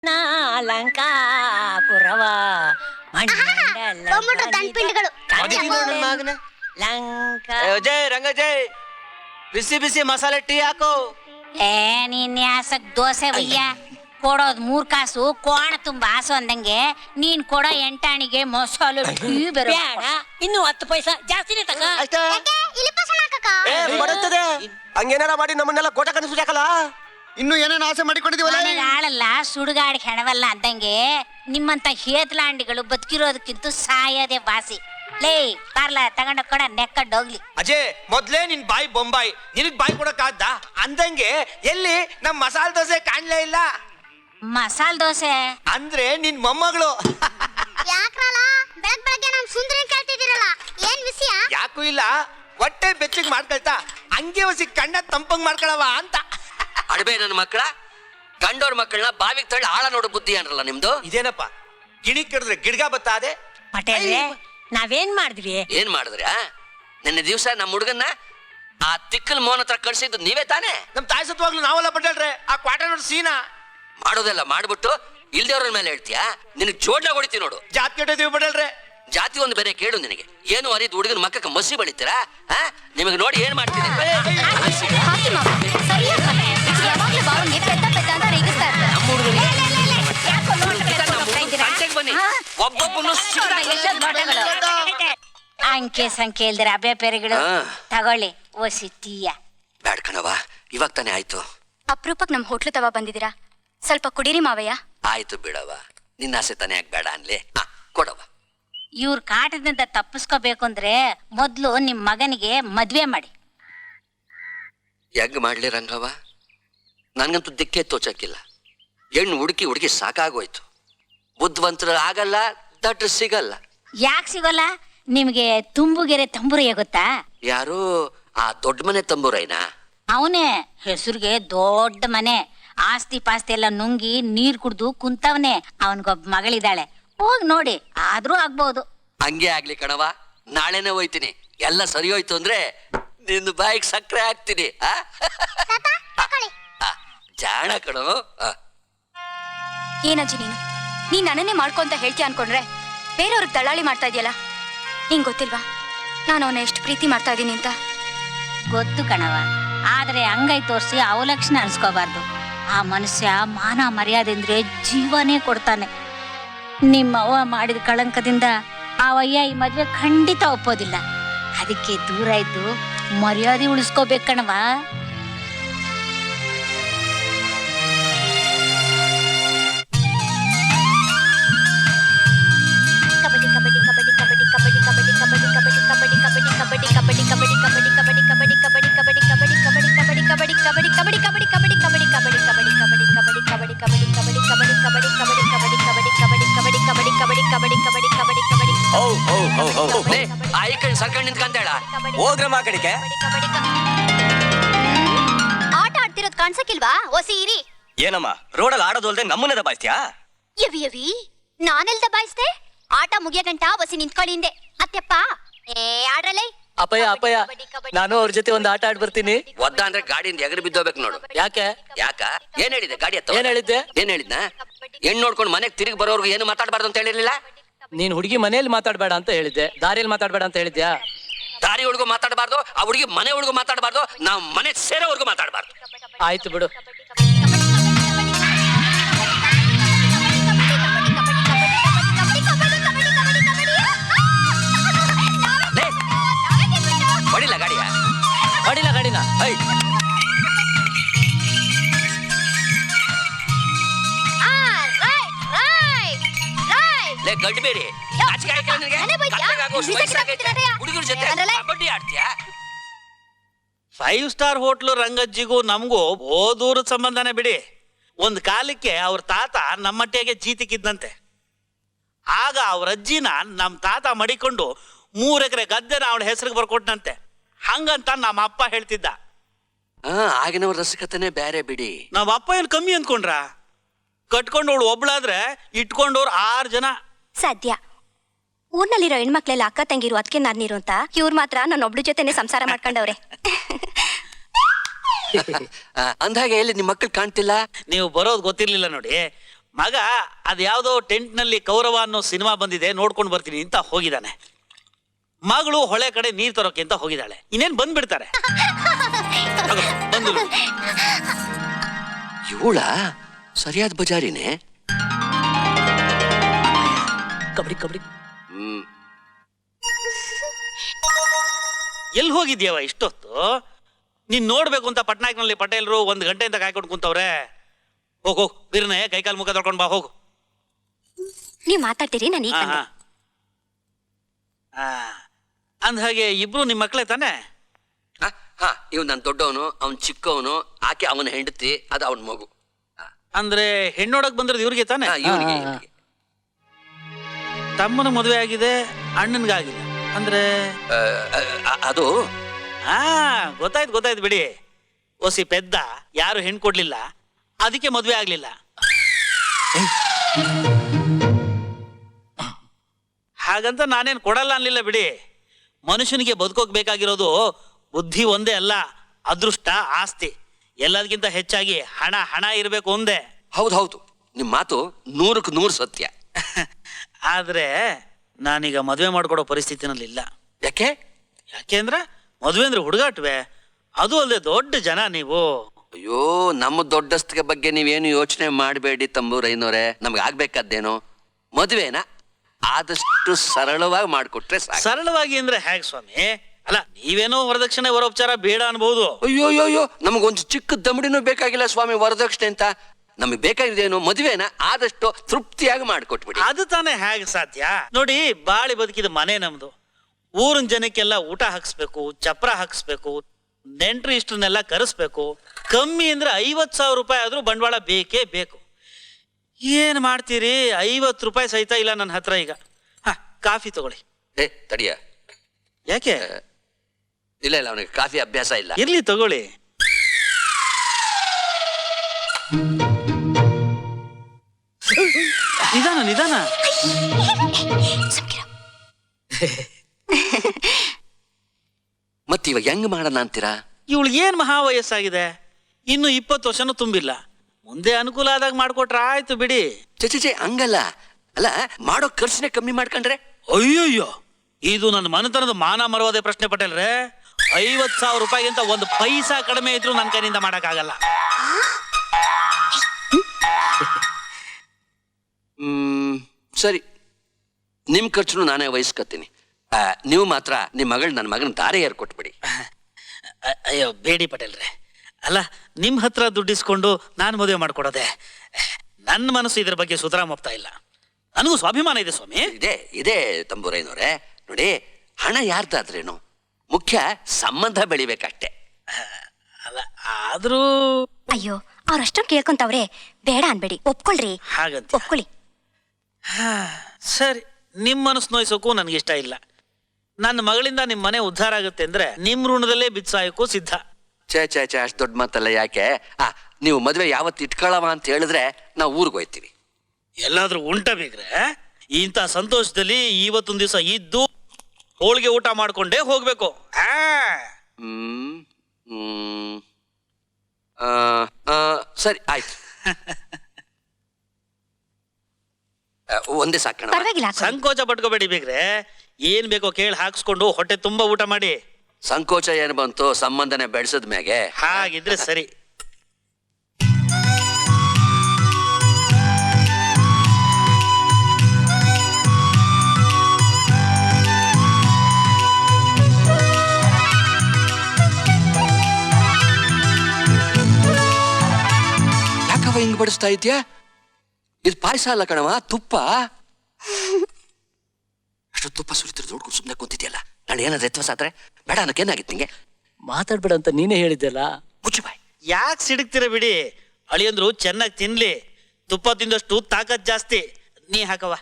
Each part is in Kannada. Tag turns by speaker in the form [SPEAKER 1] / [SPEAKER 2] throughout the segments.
[SPEAKER 1] ಲಂಕಾಪುರವ
[SPEAKER 2] ಜೈ ರಂಗ ಜೈ ಬಿಸಿ ಬಿಸಿ ಮಸಾಲೆ ಟೀ ಹಾಕು.
[SPEAKER 1] ನೀನ್ ಯಾಸಕ್ ದೋಸೆ ಒಯ್ಯ ಕೊಡೋದ್ 3 ಕಾಸು ಕೋಣ ತುಂಬಾ ಆಸು ಅಂದಂಗೆ ನೀನ್ ಕೊಡೋ 8 ಆಣಿಗೆ ಮಸಾಲೆ ಟೀ ಬೇಡ. ಇನ್ನು 10 ಪೈಸಾ ಜಾಸ್ತಿನೇ ತಗ.
[SPEAKER 2] ಬರುತ್ತದೆ ಹಂಗೇನಾರ ಮಾಡಿ ನಮ್ಮನ್ನೆಲ್ಲ ಕೋಟ ಕನಸಿಸಕಲ್ಲ.
[SPEAKER 3] ಇನ್ನು ಏನೇನು ಆಸೆ ಮಾಡಿಕೊಂಡಿದೀವಲ್ಲ.
[SPEAKER 1] ಆಳಲ್ಲ ಸುಡುಗಾಡಿ ಹೆಣವಲ್ಲ ಅಂದಂಗೆ ನಿಮ್ಮಂತ ಹೇತ್ಲಾಂಡಿಗಳು ಬದುಕಿರೋದಕ್ಕಿಂತ ಸಾಯದೆ ವಾಸಿ. ಲೇ ಪಾರ್ಲ ತಗೊಂಡ ಕೊಡ ನೆಕ್ಕಡ್ ಹೋಗ್ಲಿ.
[SPEAKER 2] ಅಜಯ್ ಮೊದ್ಲೇ ನಿನ್ ಬಾಯಿ ಬೊಂಬಾಯಿ, ನಿನಗ್ ಬಾಯಿ ಕೊಡಕ್ಕಾದ್ದ ಅಂದಂಗೆ ಎಲ್ಲಿ ನಮ್ ಮಸಾಲೆ ದೋಸೆ ಕಾಣ್ಲೇ ಇಲ್ಲ.
[SPEAKER 1] ಮಸಾಲ್ ದೋಸೆ
[SPEAKER 2] ಅಂದ್ರೆ ನಿನ್ ಮೊಮ್ಮಗಳು. ಯಾಕೂ ಇಲ್ಲ, ಹೊಟ್ಟೆ ಬೆಚ್ಚಗ್ ಮಾಡ್ಕೊಳ್ತಾ ಹಂಗೆ ಹೊಸಿ ಕಣ್ಣ ತಂಪಂಗ್ ಮಾಡ್ಕೊಳವ ಅಂತ.
[SPEAKER 4] ಅಡಬೆ ನನ್ನ ಮಕ್ಕಳ ಗಂಡೋರ್ ಮಕ್ಕಳನ್ನ ಬಾವಿಗೆ ತಳ್ಳಿ ಆಳ ನೋಡು ಬುದ್ಧಿ ಅನ್ರಲ್ಲ ನಿಮ್ದು.
[SPEAKER 2] ಇದೇನಪ್ಪ ಗಿಣಿ ಕಡಿದ್ರೆ ಗಿಡ್ಗ ಬತ್ತಾದೆ.
[SPEAKER 1] ಪಟೇಲ್ರೆ ನಾವೇನ್ ಮಾಡಿದ್ವಿ?
[SPEAKER 4] ಏನ್ ಮಾಡಿದ್ರಿ? ನಿನ್ನೆ ದಿವ್ಸ ನಮ್ಮ ಹುಡುಗನ್ನ ಆ ತಿಕ್ಕಲ್ ಮೋಹನ್ ಹತ್ರ ಕಳ್ಸಿದ್ದು ನೀವೇ ತಾನೇ?
[SPEAKER 2] ನಮ್ ತಾಯಿ ಸತ್ವಾಗ್ಲು ನಾವೆಲ್ಲ ಪಟೇಲ್ರೆ ಆ ಕ್ವಾಟ ನೋಡ್ ಸೀನಾ
[SPEAKER 4] ಮಾಡೋದೆಲ್ಲ ಮಾಡ್ಬಿಟ್ಟು ಇಲ್ದೇವ್ರ ಮೇಲೆ ಹೇಳ್ತೀಯಾ? ನಿನಗ್ ಜೋಡ್ನ ಹೊಡಿತೀವಿ ನೋಡು.
[SPEAKER 2] ಜಾತ್ ಕೆಟ್ಟಿದೀವಿ ಪಟೇಲ್ರೆ.
[SPEAKER 4] ಜಾತಿ ಒಂದು ಬೇರೆ ಕೇಳು ನಿನಗೆ. ಏನು ಅರಿದ್ ಹುಡುಗನ ಮಕ್ಕಕ್ಕೆ ಮಸಿ ಬಳಿತೀರಾ? ನಿಮಗೆ ನೋಡಿ ಏನ್ ಮಾಡ್ತೀನಿ. ಬನ್ನಿ ಒಬ್ಬೊಬ್ಬನು
[SPEAKER 1] ಅಂಕೆ ಸಂಖ್ಯೆ ಇಲ್ದಿರ ಅಬೆ ಪೇರೆಗಳು ತಗೊಳ್ಳಿ ಓಸಿ ಟೀಯ.
[SPEAKER 4] ಬ್ಯಾಡ್ ಕಣವ, ಇವಾಗ ತಾನೇ ಆಯ್ತು.
[SPEAKER 5] ಅಪ್ರೂಪಕ್ ನಮ್ ಹೋಟ್ಲು ತವ ಬಂದಿದ್ದೀರಾ, ಸ್ವಲ್ಪ ಕುಡೀರಿ ಮಾವಯ್ಯ.
[SPEAKER 4] ಆಯ್ತು ಬಿಡವ, ನಿನ್ನ ಆಸೆ ತಾನೇ ಯಾಕೆ ಬೇಡ ಅನ್ಲಿ. ಕೊಡವ.
[SPEAKER 1] ಇವ್ರ ಕಾಟದಿಂದ ತಪ್ಪಿಸ್ಕೋಬೇಕು ಅಂದ್ರೆ ಮೊದ್ಲು ನಿಮ್ ಮಗನಿಗೆ ಮದ್ವೆ ಮಾಡಿ.
[SPEAKER 4] ಹೆಂಗ್ ಮಾಡ್ಲಿ ರಂಗವ? ನನ್ಗಂತೂ ದಿಕ್ಕೇ ತೋಚಕ್ಕಿಲ್ಲ. ಹೆಣ್ಣು ಹುಡುಕಿ ಸಾಕಾಗೋಯ್ತು. ಬುದ್ಧಿವಂತರು ಆಗಲ್ಲ, ದಟ್ರು ಸಿಗಲ್ಲ.
[SPEAKER 1] ಯಾಕೆ ಸಿಗೋಲ್ಲ? ನಿಮ್ಗೆ ತುಂಬುಗೆರೆ ತಂಬುರಯ್ಯ ಗೊತ್ತಾ?
[SPEAKER 4] ಯಾರು ಆ ದೊಡ್ಡ ಮನೆ ತಂಬೂರೈನಾ?
[SPEAKER 1] ಅವನೇ ಹೆಸರಿಗೆ ದೊಡ್ಡ ಮನೆ, ಆಸ್ತಿ ಪಾಸ್ತಿ ಎಲ್ಲ ನುಂಗಿ ನೀರ್ ಕುಡ್ದು ಕುಂತವನೇ. ಅವನ್ಗೊಬ್ಬ ಮಗಳಿದ್ದಾಳೆ, ಹೋಗ್ ನೋಡಿ, ಆದ್ರೂ ಆಗ್ಬಹುದು.
[SPEAKER 4] ಹಂಗೆ ಆಗ್ಲಿ ಕಣವ, ನಾಳೆನೆ ಹೋಯ್ತೀನಿ. ಎಲ್ಲ ಸರಿ ಹೋಯ್ತು ಅಂದ್ರೆ ನಿನ್ನ ಬಾಯಿಗೆ ಸಕ್ಕರೆ ಹಾಕ್ತೀನಿ. ಜಾಣ ಕಣೋ.
[SPEAKER 5] ಏನಜ್ಜಿ ನೀನ್ ನನ್ನನ್ನೇ ಮಾಡ್ಕೊಂತ ಹೇಳ್ತೀಯ ಅನ್ಕೊಂಡ್ರೆ ಬೇರೆಯವ್ರಿಗೆ ದಳ್ಳಾಳಿ ಮಾಡ್ತಾ ಇದೆಯಲ್ಲ. ನಿಂಗ್ ಗೊತ್ತಿಲ್ವಾ ನಾನು ಅವನ ಎಷ್ಟು ಪ್ರೀತಿ ಮಾಡ್ತಾ ಇದೀನಿ ಅಂತ?
[SPEAKER 1] ಗೊತ್ತು ಕಣವ, ಆದ್ರೆ ಅಂಗೈ ತೋರಿಸಿ ಅವಲಕ್ಷಣ ಅನ್ಸ್ಕೋಬಾರ್ದು. ಆ ಮನುಷ್ಯ ಮಾನ ಮರ್ಯಾದೆ ಅಂದ್ರೆ ಜೀವನೇ ಕೊಡ್ತಾನೆ. ನಿಮ್ಮವ್ವ ಮಾಡಿದ ಕಳಂಕದಿಂದ ಅವಯ್ಯ ಈ ಮದ್ವೆ ಖಂಡಿತ ಒಪ್ಪೋದಿಲ್ಲ. ಅದಕ್ಕೆ ದೂರ ಇದ್ದು ಮರ್ಯಾದೆ ಉಳಿಸ್ಕೋಬೇಕಣವ.
[SPEAKER 4] ಸರ್ಕಂಡ್ ನಿಂತ್ಕಂತೇಳ
[SPEAKER 2] ಹೋಗ್ರಮ್ಮ ಕಡೆಗೆ.
[SPEAKER 5] ಆಟ ಆಡ್ತಿರೋದ್ ಕಾಣ್ಸಕ್ಕಿಲ್ವಾ? ಓಸಿ ಇರಿ.
[SPEAKER 2] ಏನಮ್ಮ ರೋಡಲ್ಲಿ ಆಡೋದಲ್ದೆ ನಮ್ಮನ್ನ ದಬಾಯ್ತ್ಯಾ?
[SPEAKER 5] ಯವಿ ನಾನೆಲ್ ದಬಾಯಿಸ್ದೆ? ಆಟ ಮುಗಿಯ ಗಂಟ ಒಸಿ ನಿಂತ್ಕೊಳ್ಳಿ ಹಿಂದೆ. ಅತ್ಯಪ್ಪ ಆಡ್ರಲ್ಲೇ.
[SPEAKER 6] ಅಪ್ಪಯ್ಯ ನಾನು ಅವ್ರ ಜೊತೆ ಒಂದು ಆಟ ಆಡ್ ಬರ್ತೀನಿ.
[SPEAKER 4] ಒದ್ದ ಅಂದ್ರೆ ಗಾಡಿಯಿಂದ ಎಗರು ಬಿದ್ದೋಗ್ಬೇಕು ನೋಡು.
[SPEAKER 6] ಯಾಕೆ?
[SPEAKER 4] ಏನ್ ಹೇಳಿದೆ ಗಾಡಿ ಹತ್ತ?
[SPEAKER 6] ಏನ್ ಹೇಳಿದ್ದೆ?
[SPEAKER 4] ಏನ್ ಹೇಳಿದ್ನ? ಹೆಣ್ಣು ನೋಡ್ಕೊಂಡು ಮನೆಗೆ ತಿರುಗಿ ಬರೋರ್ಗು ಏನು ಮಾತಾಡಬಾರ್ದು ಅಂತ ಹೇಳಿರ್ಲಿಲ್ಲ?
[SPEAKER 6] ನೀನ್ ಹುಡುಗಿ ಮನೆಯಲ್ಲಿ ಮಾತಾಡ್ಬೇಡ ಅಂತ ಹೇಳಿದ್ದೆ, ದಾರಿಯಲ್ಲಿ ಮಾತಾಡ್ಬೇಡ ಅಂತ ಹೇಳಿದ್ಯಾ?
[SPEAKER 4] ದಾರಿ ಹುಡುಗ ಮಾತಾಡಬಾರ್ದು, ಆ ಹುಡುಗಿ ಮನೆ ಹುಡುಗ ಮಾತಾಡಬಾರ್ದು, ನಾವು ಮನೆ ಸೇರೋವರೆಗೂ ಮಾತಾಡಬಾರ್ದು.
[SPEAKER 6] ಆಯ್ತು ಬಿಡು.
[SPEAKER 4] ಹೊಡಿಲ್ಲ ಗಾಡಿಯ?
[SPEAKER 6] ಹೊಡಿಲ್ಲ ಗಾಡಿನ.
[SPEAKER 4] ಗಡ್ಡಿ ಬೇರೆ ಹುಡುಗರ ಜೊತೆ ಕಬಡ್ಡಿ ಆಡ್ತೀಯಾ?
[SPEAKER 7] 5 ಸ್ಟಾರ್ ಹೋಟ್ಲು ರಂಗಜ್ಜಿಗೂ ನಮಗೂ ದೂರದ ಸಂಬಂಧನೇ ಬಿಡಿ. ಒಂದ್ ಕಾಲಕ್ಕೆ ಅವ್ರ ತಾತ ನಮ್ಮಟ್ಟೆಗೆ ಜೀತಿಕ್ಕಿದ್ದಂತೆ. ಆಗ ಅವ್ರ ಅಜ್ಜಿನ ನಮ್ ತಾತ ಮಡಿಕೊಂಡು 3 ಎಕರೆ ಗದ್ದೆನ ಅವಳ ಹೆಸರಿಗೆ ಬರ್ಕೊಟ್ನಂತೆ. ಹಂಗಂತ ನಮ್ಮ ಅಪ್ಪ ಹೇಳ್ತಿದ್ದ.
[SPEAKER 4] ಆಗಿನವ್ರ ರಸಿಕತೆನೆ ಬೇರೆ ಬಿಡಿ.
[SPEAKER 7] ನಮ್ಮ ಅಪ್ಪ ಏನ್ ಕಮ್ಮಿ ಅಂದ್ಕೊಂಡ್ರ? ಕಟ್ಕೊಂಡವಳು ಒಬ್ಳಾದ್ರೆ ಇಟ್ಕೊಂಡವ್ರು 6 ಜನ.
[SPEAKER 5] ಸದ್ಯ ಊರ್ನಲ್ಲಿರೋ ಹೆಣ್ಮಕ್ಳೆಲ್ಲ ಅಕ್ಕ ತಂಗಿರು ಅದಕ್ಕೆ ನಾನಿರು ಅಂತ ಇವ್ರು ಮಾತ್ರ ನನ್ನ ಒಬ್ಳು ಜೊತೆನೆ ಸಂಸಾರ ಮಾಡ್ಕೊಂಡವ್ರೆ.
[SPEAKER 4] ಅಂದಾಗೆ ಎಲ್ಲಿ ನಿಮ್ ಮಕ್ಳು ಕಾಣ್ತಿಲ್ಲ?
[SPEAKER 7] ನೀವು ಬರೋದು ಗೊತ್ತಿರ್ಲಿಲ್ಲ ನೋಡಿ. ಮಗ ಅದ್ಯಾವುದೋ ಟೆಂಟ್ನಲ್ಲಿ ಕೌರವ ಅನ್ನೋ ಸಿನಿಮಾ ಬಂದಿದೆ ನೋಡ್ಕೊಂಡು ಬರ್ತೀನಿ ಅಂತ ಹೋಗಿದ್ದಾನೆ. ಮಗಳು ಹೊಳೆ ಕಡೆ ನೀರ್ ತರೋಕೆ ಅಂತ ಹೋಗಿದ್ದಾಳೆ. ಇನ್ನೇನ್ ಬಂದ್ಬಿಡ್ತಾರೆ. ಬಂದು
[SPEAKER 4] ಇವಳ ಸರಿಯಾದ ಬಜಾರಿನೇ.
[SPEAKER 6] ಕಬಡ್ಡಿ ಕಬಡ್ಡಿ.
[SPEAKER 4] ಹ್ಮ್.
[SPEAKER 7] ಎಲ್ಲಿ ಹೋಗಿದ್ಯವ ಇಷ್ಟೊತ್ತು? ನೀನ್ ನೋಡ್ಬೇಕು ಅಂತ ಪಟ್ನಾಯಕ್ನಲ್ಲಿ ಪಟೇಲ್ರು 1 ಗಂಟೆಯಿಂದ ಕಾಯ್ಕೊಂಡು ಕುಂತವ್ರೆ. ಹೋಗು ಬಿರ್ನೆ ಕೈಕಾಲು ಮುಖ ತೊಳ್ಕೊಂಡ್ ಬಾ ಹೋಗು.
[SPEAKER 5] ನೀವ್ ಮಾತಾಡ್ತೀರಿ ನಾನು ಈಗ ಬಂದೆ.
[SPEAKER 7] ಅಂದ ಹಾಗೆ ಇಬ್ರು ನಿಮ್ ಮಕ್ಳೇ ತಾನೆ?
[SPEAKER 4] ಹಾ, ಇವ್ ನನ್ ದೊಡ್ಡವನು, ಅವ್ನ್ ಚಿಕ್ಕವನು, ಆಕೆ ಅವನ ಹೆಂಡತಿ, ಅದು ಅವನ ಮಗು.
[SPEAKER 7] ಅಂದ್ರೆ ಹೆಣ್ಣೋಡಕ್ ಬಂದಿರೋದು ಇವ್ರಿಗೆ ತಾನೆ?
[SPEAKER 4] ಇವನಿಗೆ
[SPEAKER 7] ತಮ್ಮನ ಮದುವೆ ಆಗಿದೆ, ಅಣ್ಣನ್ಗಾಗಿಲ್ಲ ಅಂದ್ರೆ
[SPEAKER 4] ಅದು
[SPEAKER 7] ಗೊತ್ತಾಯ್ತು ಬಿಡಿ. ಒಸಿ ಪೆದ್ದ, ಯಾರು ಹೆಣ್ ಕೊಡ್ಲಿಲ್ಲ, ಅದಕ್ಕೆ ಮದ್ವೆ ಆಗ್ಲಿಲ್ಲ. ಹಾಗಂತ ನಾನೇನ್ ಕೊಡಲ್ಲ ಅನ್ಲಿಲ್ಲ ಬಿಡಿ. ಮನುಷ್ಯನಿಗೆ ಬದುಕೋಕ್ ಬೇಕಾಗಿರೋದು ಬುದ್ಧಿ ಒಂದೇ ಅಲ್ಲ, ಅದೃಷ್ಟ, ಆಸ್ತಿ. ಎಲ್ಲದಕ್ಕಿಂತ ಹೆಚ್ಚಾಗಿ ಹಣ ಇರ್ಬೇಕು ಒಂದೇ.
[SPEAKER 4] ಹೌದು, ನಿಮ್ ಮಾತು 100ಕ್ಕೆ 100 ಸತ್ಯ.
[SPEAKER 7] ಆದ್ರೆ ನಾನೀಗ ಮದ್ವೆ ಮಾಡ್ಕೊಡೋ ಪರಿಸ್ಥಿತಿನಲ್ಲಿ ಇಲ್ಲ.
[SPEAKER 4] ಯಾಕೆ
[SPEAKER 7] ಅಂದ್ರೆ ಮದ್ವೆ ಅಂದ್ರೆ ಹುಡುಗಾಟ್ವೆ, ಅದು ಅಲ್ಲದೆ ದೊಡ್ಡ ಜನ ನೀವು.
[SPEAKER 4] ಅಯ್ಯೋ, ನಮ್ಮ ದೊಡ್ಡಸ್ತಿಗೆ ಬಗ್ಗೆ ನೀವೇನು ಯೋಚನೆ ಮಾಡಬೇಡಿ ತಂಬೂರೈನೋರೆ. ನಮ್ಗೆ ಆಗ್ಬೇಕಾದ್ದೇನೋ ಮದುವೆನ ಆದಷ್ಟು ಸರಳವಾಗಿ ಮಾಡ್ಕೊಟ್ರೆ ಸಾಕು.
[SPEAKER 7] ಸರಳವಾಗಿ ಅಂದ್ರೆ ಹೇಗೆ ಸ್ವಾಮಿ? ಅಲ್ಲ, ನೀವೇನೋ ವರದಕ್ಷಿಣೆ ವರೋಪಚಾರ ಬೇಡ ಅನ್ಬಹುದು.
[SPEAKER 4] ಅಯ್ಯೋ, ನಮಗೊಂದು ಚಿಕ್ಕ ದಮಡಿನೂ ಬೇಕಾಗಿಲ್ಲ ಸ್ವಾಮಿ ವರದಕ್ಷಿಣೆ ಅಂತ. ನಮಗೆ ಬೇಕಾಗಿದ್ದೇನು ಮದುವೆನ ಆದಷ್ಟು ತೃಪ್ತಿಯಾಗಿ ಮಾಡ್ಕೊಟ್ಬಿಡಿ.
[SPEAKER 7] ಅದು ತಾನೇ ಹೇಗೆ ಸಾಧ್ಯ? ನೋಡಿ, ಬಾಳಿ ಬದುಕಿದ ಮನೆ ನಮ್ದು. ಊರಿನ ಜನಕ್ಕೆಲ್ಲ ಊಟ ಹಾಕ್ಸ್ಬೇಕು, ಚಪ್ರ ಹಾಕ್ಸ್ಬೇಕು, ನೆಂಟ್ರು ಇಷ್ಟನ್ನೆಲ್ಲ ಕರೆಸ್ಬೇಕು. ಕಮ್ಮಿ ಅಂದ್ರೆ 50,000 ರೂಪಾಯಿ ಆದ್ರೂ ಬಂಡವಾಳ ಬೇಕೇ ಬೇಕು. ಏನ್ ಮಾಡ್ತೀರಿ? 50 ರೂಪಾಯಿ ಸಹಿತ ಇಲ್ಲ ನನ್ನ ಹತ್ರ ಈಗ. ಕಾಫಿ ತಗೊಳ್ಳಿ.
[SPEAKER 4] ತಡಿಯ.
[SPEAKER 7] ಯಾಕೆ?
[SPEAKER 4] ಇಲ್ಲ ಅವನಿಗೆ ಕಾಫಿ ಅಭ್ಯಾಸ ಇಲ್ಲ.
[SPEAKER 7] ಇರ್ಲಿ ತಗೊಳ್ಳಿ. ನಿಧಾನ.
[SPEAKER 4] ಮತ್ ಇವಾಗ ಹೆಂಗ್ ಮಾಡೋಣ ಅಂತೀರಾ?
[SPEAKER 7] ಇವಳಿಗೆ ಏನ್ ಮಹಾ ವಯಸ್ಸಾಗಿದೆ, ಇನ್ನು 20 ವರ್ಷನೂ ತುಂಬಿಲ್ಲ. ಮುಂದೆ ಅನುಕೂಲ ಆದಾಗ ಮಾಡ್ಕೊಟ್ರ ಆಯ್ತು ಬಿಡಿ.
[SPEAKER 4] ಚೆ ಹಂಗಲ್ಲ. ಅಲ್ಲ, ಮಾಡೋ ಖರ್ಚನೆ ಕಮ್ಮಿ ಮಾಡ್ಕೊಂಡ್ರೆ?
[SPEAKER 7] ಅಯ್ಯೋಯ್ಯೋ, ಇದು ನನ್ನ ಮನೆತನದ ಮಾನ ಮರವಾದ ಪ್ರಶ್ನೆ ಪಟೇಲ್ರೆ. 50,000 ರೂಪಾಯಿಗಿಂತ 1 ಪೈಸಾ ಕಡಿಮೆ ಇದ್ರು ನನ್ನ ಕೈನಿಂದ ಮಾಡಕ್ಕಾಗಲ್ಲ.
[SPEAKER 4] ಸರಿ, ನಿಮ್ ಖರ್ಚು ನಾನೇ ವಹಿಸ್ಕೊತೀನಿ. ನೀವು ಮಾತ್ರ ನಿಮ್ ಮಗಳು ನನ್ನ ಮಗನ ದಾರಿ ಏರ್ಕೊಟ್ಬಿಡಿ.
[SPEAKER 7] ಅಯ್ಯೋ ಬೇಡಿ ಪಟೇಲ್ರೆ. ಅಲ್ಲ, ನಿಮ್ ಹತ್ರ ದುಡ್ಡಿಸ್ಕೊಂಡು ನಾನು ಮದುವೆ ಮಾಡ್ಕೊಡೋದೆ? ನನ್ನ ಮನಸ್ಸು ಇದ್ರ ಬಗ್ಗೆ ಸುತರಾಂ ಒಪ್ತಾ ಇಲ್ಲ. ನನಗೂ ಸ್ವಾಭಿಮಾನ ಇದೆ ಸ್ವಾಮಿ.
[SPEAKER 4] ಇದೆ ತಂಬೂರೈನವ್ರೆ. ನೋಡಿ, ಹಣ ಯಾರ್ದಾದ್ರೇನು, ಮುಖ್ಯ ಸಂಬಂಧ ಬೆಳಿಬೇಕಷ್ಟೆ.
[SPEAKER 7] ಅಲ್ಲ, ಆದ್ರೂ
[SPEAKER 5] ಅಯ್ಯೋ, ಅವ್ರಷ್ಟೊಂದು ಕೇಳ್ಕೊಂತವ್ರೆ, ಬೇಡ ಅನ್ಬೇಡಿ, ಒಪ್ಕೊಳ್ರಿ.
[SPEAKER 7] ಹಾಗಂತ
[SPEAKER 5] ಒಪ್ಕೊಳ್ಳಿ.
[SPEAKER 7] ಸರಿ, ನಿಮ್ ಮನಸ್ಸು ನೋಯ್ಸೋಕು ನನ್ಗಿಷ್ಟ ಇಲ್ಲ. ನನ್ನ ಮಗಳಿಂದ ನಿಮ್ ಮನೆ ಉದ್ಧಾರ ಆಗುತ್ತೆ ಅಂದ್ರೆ ನಿಮ್ ಋಣದಲ್ಲೇ ಬಿತ್ಸಾಯಕ್ಕೂ ಸಿದ್ಧ.
[SPEAKER 4] ಛೇ ಅಷ್ಟು ದೊಡ್ಡ ಮಾತಲ್ಲ. ಯಾಕೆ? ನೀವು ಮದುವೆ ಯಾವತ್ತು ಇಟ್ಕೊಳ್ಳವ ಅಂತ ಹೇಳಿದ್ರೆ ನಾವು ಊರಿಗೆ ಹೋಯ್ತೀವಿ.
[SPEAKER 7] ಎಲ್ಲಾದ್ರೂ ಉಂಟ ಬೇಕ್ರೆ ಇಂಥ ಸಂತೋಷದಲ್ಲಿ ಇವತ್ತೊಂದ್ ದಿವಸ ಇದ್ದು ಹೋಳಿಗೆ ಊಟ ಮಾಡ್ಕೊಂಡೇ ಹೋಗ್ಬೇಕು.
[SPEAKER 4] ಸರಿ ಆಯ್ತು. ಒಂದೇ ಸಾಕಣ.
[SPEAKER 5] ಪರವಾಗಿಲ್ಲ.
[SPEAKER 7] ಸಂಕೋಚ ಪಟ್ಕೋಬೇಡಿ ಬೇಕ್ರೆ. ಏನ್ ಬೇಕೋ ಕೇಳಿ ಹಾಕ್ಸ್ಕೊಂಡು ಹೊಟ್ಟೆ ತುಂಬಾ ಊಟ ಮಾಡಿ.
[SPEAKER 4] ಸಂಕೋಚ ಏನು ಬಂತು? ಸಂಬಂಧನೆ ಬೆಳೆಸದ ಮ್ಯಾಗೆ.
[SPEAKER 7] ಹಾಗಿದ್ರೆ ಸರಿ.
[SPEAKER 4] ಯಾಕವ ಹಿಂಗ್ ಬಡಿಸ್ತಾ ಇದ್ಯಾ? ಇದು ಪಾಯಸ ಅಲ್ಲ ಕಣವ, ತುಪ್ಪ. ಅಷ್ಟು ತುಪ್ಪ ಸುರಿತಿರ್ ನೋಡ್ಕೊಂಡು ಸುಮ್ಮನೆ ಕೂತಿದ್ಯಲ್ಲ. ನಾಳೆ ಏನಾದ್ರು ಎತ್ತವಸ ಆದ್ರೆ ಬೇಡ ಅನ್ನೋಕೇನಾಗಿತ್ತು ನಿಂಗೆ?
[SPEAKER 6] ಮಾತಾಡ್ಬೇಡ ಅಂತ ನೀನೇ ಹೇಳಿದ್ದೆಲ್ಲ.
[SPEAKER 4] ಮುಚ್ಚು ಬಾಯ್.
[SPEAKER 7] ಯಾಕೆ ಸಿಡುಕ್ತಿರ ಬಿಡಿ. ಅಳಿಯಂದ್ರು ಚೆನ್ನಾಗಿ ತಿನ್ಲಿ. ತುಪ್ಪ ತಿಂದಷ್ಟು ತಾಕತ್ ಜಾಸ್ತಿ. ನೀ ಹಾಕವ.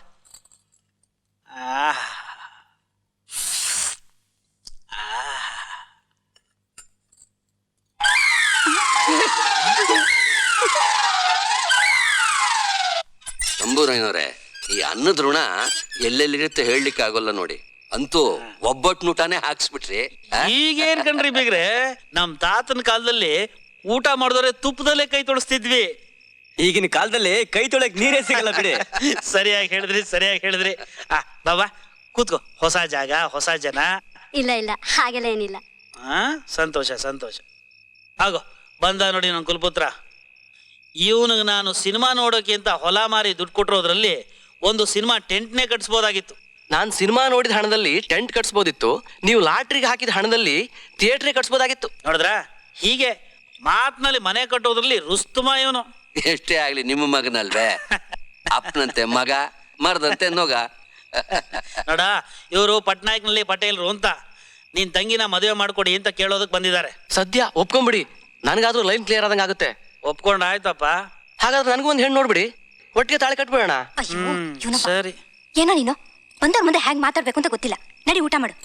[SPEAKER 4] ತಂಬೂರೈನವ್ರೆ, ಈ ಅನ್ನದ ಋಣ ಎಲ್ಲೆಲ್ಲಿರುತ್ತೆ ಹೇಳಲಿಕ್ಕೆ ಆಗೋಲ್ಲ ನೋಡಿ. ಅಂತೂ ಒಬ್ಬಟ್ನೂಟಾನೇ ಹಾಕ್ಸ್ಬಿಟ್ರಿ.
[SPEAKER 7] ಈಗೇನ್ ಕಣ್ರಿ ಬೇಗ್ರೆ, ನಮ್ ತಾತನ ಕಾಲದಲ್ಲಿ ಊಟ ಮಾಡಿದವ್ರೆ ತುಪ್ಪದಲ್ಲೇ ಕೈ ತೊಳಸ್ತಿದ್ವಿ.
[SPEAKER 6] ಈಗಿನ ಕಾಲದಲ್ಲಿ ಕೈ ತೊಳೆಕ್ ನೀರೇ ಸಿಗಲ್ಲ ಬಿಡಿ.
[SPEAKER 7] ಸರಿಯಾಗಿ ಹೇಳಿದ್ರಿ ಬಾಬಾ ಕೂತ್ಕೋ. ಹೊಸ ಜಾಗ, ಹೊಸ ಜನ.
[SPEAKER 5] ಇಲ್ಲ ಇಲ್ಲ, ಹಾಗೆಲ್ಲ ಏನಿಲ್ಲ.
[SPEAKER 7] ಸಂತೋಷ. ಆಗೋ ಬಂದ ನೋಡಿ ನನ್ನ ಕುಲಪುತ್ರ. ಇವನಿಗೆ ನಾನು ಸಿನಿಮಾ ನೋಡೋಕೆ ಅಂತ ಹೊಲ ಮಾರಿ ದುಡ್ಡು ಕೊಟ್ಟಿರೋದ್ರಲ್ಲಿ ಒಂದು ಸಿನಿಮಾ ಟೆಂಟ್ನೇ ಕಟ್ಸ್ಬೋದಾಗಿತ್ತು.
[SPEAKER 6] ನಾನ್ ಸಿನಿಮಾ ನೋಡಿದ ಹಣದಲ್ಲಿ ಟೆಂಟ್ ಕಟ್ಸ್ಬೋದಿತ್ತು, ನೀವು ಲಾಟ್ರಿಗೆ ಹಾಕಿದ ಹಣದಲ್ಲಿ ಥಿಯೇಟ್ರಿಗೆ ಕಟ್ಸ್ಬೋದಾಗಿತ್ತು.
[SPEAKER 7] ನೋಡಿದ್ರ, ಹೀಗೆ ಮಾತಿನಲ್ಲಿ ಮನೆ ಕಟ್ಟೋದ್ರಲ್ಲಿ ರುಸ್ತುಮ ಇವನು.
[SPEAKER 4] ಎಷ್ಟೇ ಆಗ್ಲಿ ನಿಮ್ಮ ಮಗನಲ್ವೇ, ಅಪ್ಪನಂತೆ ಮಗ, ಮರದಂತೆ ನೊಗ.
[SPEAKER 7] ನೋಡ, ಇವರು ಪಟ್ನಾಯಕ್ನಲ್ಲಿ ಪಟೇಲ್ರು ಅಂತ ನೀನ್ ತಂಗಿನ ಮದುವೆ ಮಾಡ್ಕೊಡಿ ಅಂತ ಕೇಳೋದಕ್ ಬಂದಿದ್ದಾರೆ.
[SPEAKER 6] ಸದ್ಯ ಒಪ್ಕೊಂಬಿಡಿ, ನನಗಾದ್ರೂ ಲೈನ್ ಕ್ಲಿಯರ್ ಆದಂಗ ಆಗುತ್ತೆ.
[SPEAKER 7] ಒಪ್ಕೊಂಡ್ ಆಯ್ತಪ್ಪ.
[SPEAKER 6] ಹಾಗಾದ್ರೆ ನನಗೂ ಒಂದು ಹೆಣ್ಣು ನೋಡ್ಬಿಡಿ, ಒಟ್ಟಿಗೆ ತಾಳಿ ಕಟ್ಬಿಡೋಣ.
[SPEAKER 5] ಅಯ್ಯೋ ಇವ್ನಪ್ಪ.
[SPEAKER 7] ಸರಿ.
[SPEAKER 5] ಏನೋ ನೀನು ಬಂದವ್ರ ಮುಂದೆ ಹೇಗೆ ಮಾತಾಡ್ಬೇಕು ಅಂತ ಗೊತ್ತಿಲ್ಲ. ನಡಿ ಊಟ ಮಾಡು.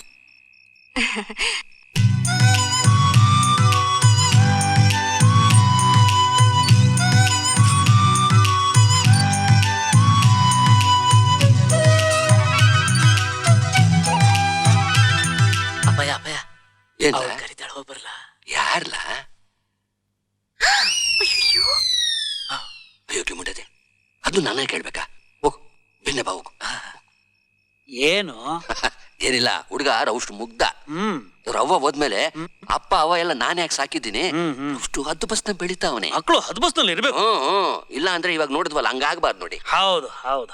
[SPEAKER 6] ಅಪ್ಪಯ್ಯ ಅಪ್ಪಯ್ಯ
[SPEAKER 4] ಏನ್
[SPEAKER 6] ಕರಿತಾಳ, ಹೋಗ್ ಬರ್ಲಾ?
[SPEAKER 4] ಯಾರ್ಲ? ಅಯ್ಯೋ ಮುಂಡದೆ, ಅದು ನಾನೇ ಕೇಳ್ಬೇಕಾ? ಹೋಗು, ಬೆನ್ನೆ ಬಾ ಹೋಗು.
[SPEAKER 7] ಏನು?
[SPEAKER 4] ಏನಿಲ್ಲ, ಹುಡುಗ ರೌಷ್ಟು ಮುಗ್ಧ. ರವ್ವ ಹೋದ್ಮೇಲೆ ಅಪ್ಪ ಅವ ಎಲ್ಲ ನಾನೇ ಯಾಕೆ ಸಾಕಿದ್ದೀನಿ, ಅಷ್ಟು ಹದ್ದು ಬಸ್ನ ಬೆಳಿತಾವನೆ.
[SPEAKER 7] ಮಕ್ಕಳು ಹದ್ಬಸ್ನಲ್ಲಿ ಇರ್ಬೇಕು.
[SPEAKER 4] ಇಲ್ಲ ಅಂದ್ರೆ ಇವಾಗ ನೋಡಿದ್ವಲ್ಲ, ಹಂಗಾಗ್ಬಾರ್ದು ನೋಡಿ.
[SPEAKER 7] ಹೌದು.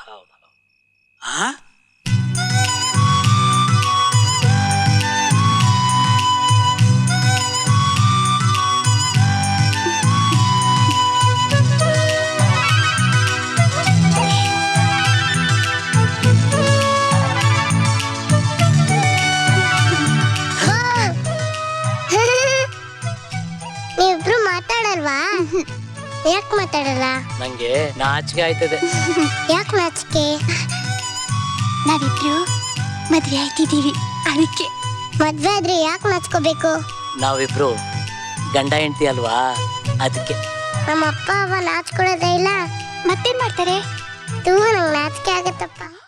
[SPEAKER 8] ನೀವಿಬ್ರು ಮಾತಾಡಲ್ವಾ? ಯಾಕೆ ಮಾತಾಡಲ್ಲ?
[SPEAKER 6] ನಂಗೆ ನಾಚಿಕೆ ಆಯ್ತದೆ.
[SPEAKER 8] ಯಾಕೆ ನಾಚಿಕೆ? ನಾವಿಬ್ರು ಮದ್ವೆ ಆಯ್ತಿದೀವಿ, ಅದಕ್ಕೆ. ಮದ್ವೆ ಆದ್ರೆ ಯಾಕೆ ನಾಚ್ಕೋಬೇಕು?
[SPEAKER 6] ನಾವಿಬ್ರು ಗಂಡ ಹೆಂಡತಿ ಅಲ್ವಾ, ಅದಕ್ಕೆ.
[SPEAKER 8] ನಮ್ಮ ಅಪ್ಪ ಅವ ನಾಚ್ಕೊಳ್ಳೋದೇ ಇಲ್ಲ, ಮತ್ತೇನ್ ಮಾಡ್ತಾರೆ? ನಂಗೆ ನಾಚಿಕೆ ಆಗತ್ತಪ್ಪ.